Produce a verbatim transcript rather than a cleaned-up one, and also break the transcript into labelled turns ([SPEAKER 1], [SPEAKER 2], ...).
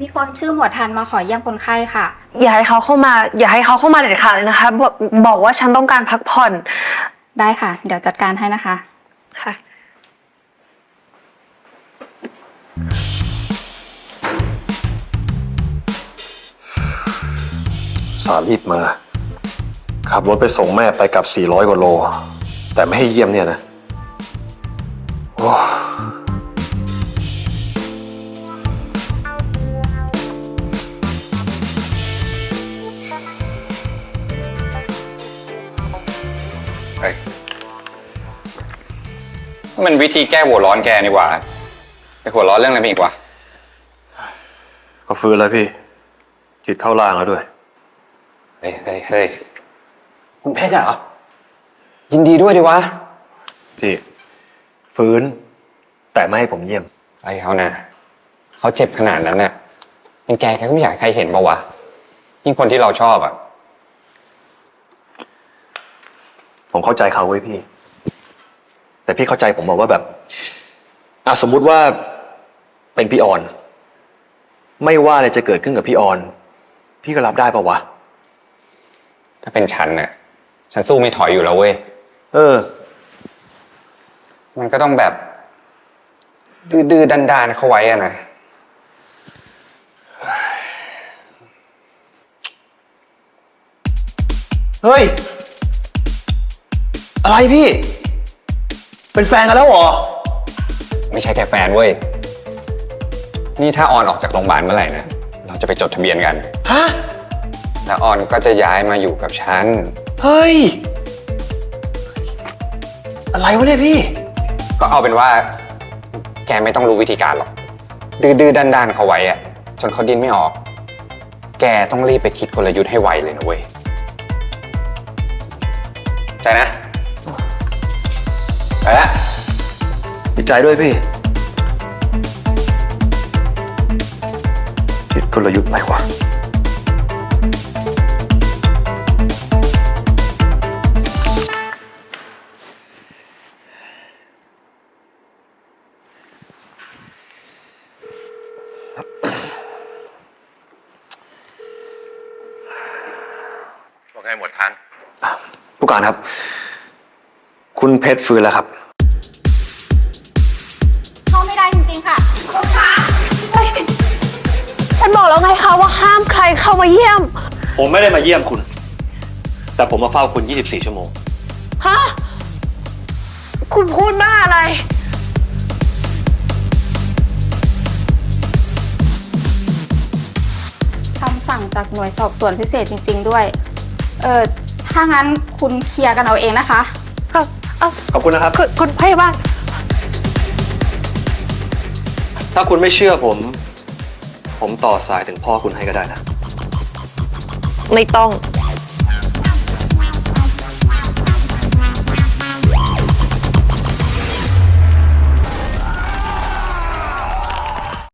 [SPEAKER 1] มีคนชื่อหมวดทันมาขอเยี่ยมคนไข้ค่ะ
[SPEAKER 2] อย่าให้เขาเข้ามาอย่าให้เขาเข้ามาเด็ดขาดเลยนะคะบอกบอกว่าฉันต้องการพักผ่อน
[SPEAKER 1] ได้ค่ะเดี๋ยวจัดการให้นะคะ
[SPEAKER 2] ค่ะ
[SPEAKER 3] สารรีบมาขับรถไปส่งแม่ไปกับสี่ร้อยกว่าโลแต่ไม่ให้เยี่ยมเนี่ยนะโอ้
[SPEAKER 4] เฮ้ยมันวิธีแก้หัวร้อนแกนี่หว่าไปหัวร้อนเรื่องอะไรอีกวะ
[SPEAKER 3] ก็ฟื้นแล้วพี่จิตเข้าล่างแล้วด้วย
[SPEAKER 4] เฮ้ยเฮ้ยเฮ้ยคุณเพชรเหรอยินดีด้วยดิวะ
[SPEAKER 3] พี่ฟื้นแต่ไม่ให้ผมเยี่ยม
[SPEAKER 4] ไอ้เขานะเขาเจ็บขนาดนั้นน่ะยังแกแกก็ไม่อยากให้ใครเห็นปะวะยิ่งคนที่เราชอบอ่ะ
[SPEAKER 3] ผมเข้าใจเขาเว้ยพี่แต่พี่เข้าใจผมบอกว่าแบบอ่ะสมมุติว่าเป็นพี่ออนไม่ว่าอะไรจะเกิดขึ้นกับพี่ออนพี่ก็รับได้ปะวะ
[SPEAKER 4] ถ้าเป็นฉันน่ะฉันสู้ไม่ถอยอยู่แล้วเว้ย
[SPEAKER 3] เออ
[SPEAKER 4] มันก็ต้องแบบดื้อๆดันๆเข้าไว้อะนะ
[SPEAKER 3] เฮ้ยอะไรพี่เป็นแฟนกันแล้วเหรอ
[SPEAKER 4] ไม่ใช่แค่แฟนเว้ยนี่ถ้าออนออกจากโรงพยาบาลเมื่อไหร่นะเราจะไปจดทะเบียนกัน
[SPEAKER 3] ฮะ
[SPEAKER 4] แล้วออนก็จะย้ายมาอยู่กับฉัน
[SPEAKER 3] เฮ้ยอะไรวะเนี่ยพี่
[SPEAKER 4] ก็เอาเป็นว่าแกไม่ต้องรู้วิธีการหรอกดื้อๆด้านๆเขาไว้อะจนเขาดิ้นไม่ออกแกต้องรีบไปคิดกลยุทธ์ให้ไวเลยนะเว้ยใจนะไปละ
[SPEAKER 3] ดีใจด้วยพี่คิดกลยุทธ์อะไรวะ
[SPEAKER 4] บอกไงหมดทัน
[SPEAKER 3] ผู้การครับคุณเพชรฟื้นแล้วครับ
[SPEAKER 1] เข้าไม่ได้จริงๆค่ะคุณคะ
[SPEAKER 2] ฉันบอกแล้วไงคะว่าห้ามใครเข้ามาเยี่ยม
[SPEAKER 3] ผมไม่ได้มาเยี่ยมคุณแต่ผมมาเฝ้าคุณยี่สิบสี่ชั่วโมง
[SPEAKER 2] ฮะคุณพูดบ้าอะไร
[SPEAKER 1] คำสั่งจากหน่วยสอบสวนพิเศษจริงๆด้วยเออถ้างั้นคุณเคลียร์กันเอาเองนะคะ
[SPEAKER 2] ครับเอา
[SPEAKER 3] ขอบคุณนะครับ
[SPEAKER 2] คุณคุณพยาบาล
[SPEAKER 3] ถ้าคุณไม่เชื่อผมผมต่อสายถึงพ่อคุณให้ก็ได้นะ
[SPEAKER 2] ไม่ต้อง